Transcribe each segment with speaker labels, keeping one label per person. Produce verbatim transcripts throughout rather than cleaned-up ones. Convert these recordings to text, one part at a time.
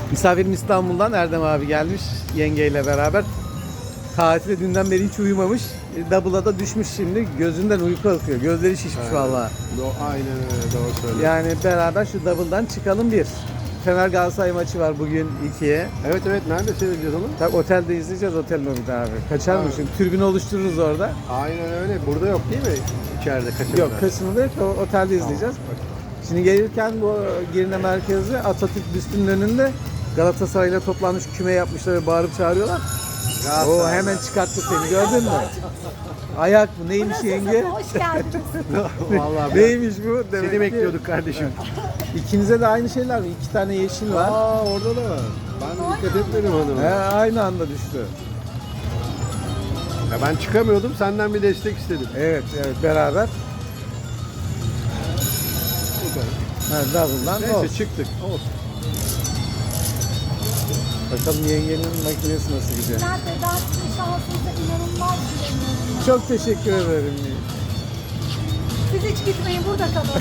Speaker 1: Misafirim İstanbul'dan Erdem abi gelmiş yengeyle beraber. Tatile dünden beri hiç uyumamış. Double'a da düşmüş şimdi. Gözünden uyku akıyor. Gözleri şişmiş
Speaker 2: Evet.
Speaker 1: vallahi.
Speaker 2: Do- Aynen öyle, doğru söylüyorsun.
Speaker 1: Yani beraber şu double'dan çıkalım bir. Fener Galatasaray maçı var bugün ikiye.
Speaker 2: Evet evet, nerede seyredeceğiz onu?
Speaker 1: Tabii otelde izleyeceğiz, otel lobide abi. Kaçar mı
Speaker 2: Evet.
Speaker 1: şimdi? Tribünü oluştururuz orada.
Speaker 2: Aynen öyle. Burada yok değil mi? İçeride kaçırdı.
Speaker 1: Yok, kısmında yok. O otelde izleyeceğiz. Şimdi gelirken bu Girne merkezi Atatürk büstünün önünde Galatasaray'la toplanmış küme yapmışlar ve bağırıp çağırıyorlar. O hemen çıkarttı seni, gördün mü? Ayak mı? Neymiş yenge?
Speaker 3: Hoş geldiniz.
Speaker 2: Vallahi
Speaker 1: Neymiş bu? Demek
Speaker 2: seni
Speaker 1: ki-
Speaker 2: bekliyorduk kardeşim.
Speaker 1: İkinize de aynı şeyler mi? İki tane yeşil var.
Speaker 2: Aa, orada da var. Ben dikkat etmedim hanım.
Speaker 1: He, aynı anda düştü.
Speaker 2: Ya ben çıkamıyordum, senden bir destek istedim.
Speaker 1: Evet, evet beraber.
Speaker 2: Süper.
Speaker 1: Ha, double'dan
Speaker 2: Neyse
Speaker 1: olsun.
Speaker 2: çıktık. Olsun.
Speaker 1: Bakalım yengenin makinesi nasıl gidiyor.
Speaker 3: Nerede? Ben sizin şansınıza inanılmaz güveniyorum.
Speaker 1: Çok teşekkür ederim.
Speaker 3: Siz hiç gitmeyin, burada kalın.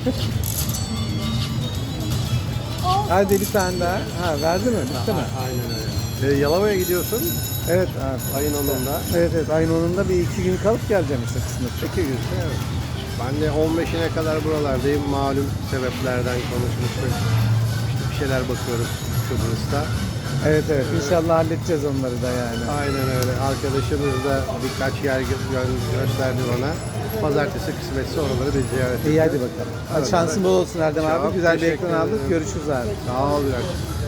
Speaker 3: Olsun.
Speaker 1: Hadi bir tane daha. Ha, verdi mi? Bitti mi?
Speaker 2: Aynen öyle. Ee, Yalova'ya gidiyorsun
Speaker 1: Evet abi.
Speaker 2: ayın onunda.
Speaker 1: Evet evet ayın onunda bir iki gün kalıp geleceğim işte kısmet.
Speaker 2: İki gün. Evet. Ben de on beşine kadar buralardayım. Malum sebeplerden konuşmuştuk. İşte bir şeyler bakıyoruz Kıbrıs'ta.
Speaker 1: Evet evet inşallah halledeceğiz onları da yani.
Speaker 2: Aynen öyle. Arkadaşımız da birkaç yer gö- gö- gösterdi bana. Pazartesi kısmetse oraları bir ziyaret
Speaker 1: İyi hadi
Speaker 2: edeceğiz.
Speaker 1: bakalım. Hadi şansın bol olsun Erdem
Speaker 2: Çok
Speaker 1: abi. Güzel bir
Speaker 2: teşekkür
Speaker 1: ekran aldık.
Speaker 2: ederim.
Speaker 1: Görüşürüz abi.
Speaker 2: Sağ ol. Bülent.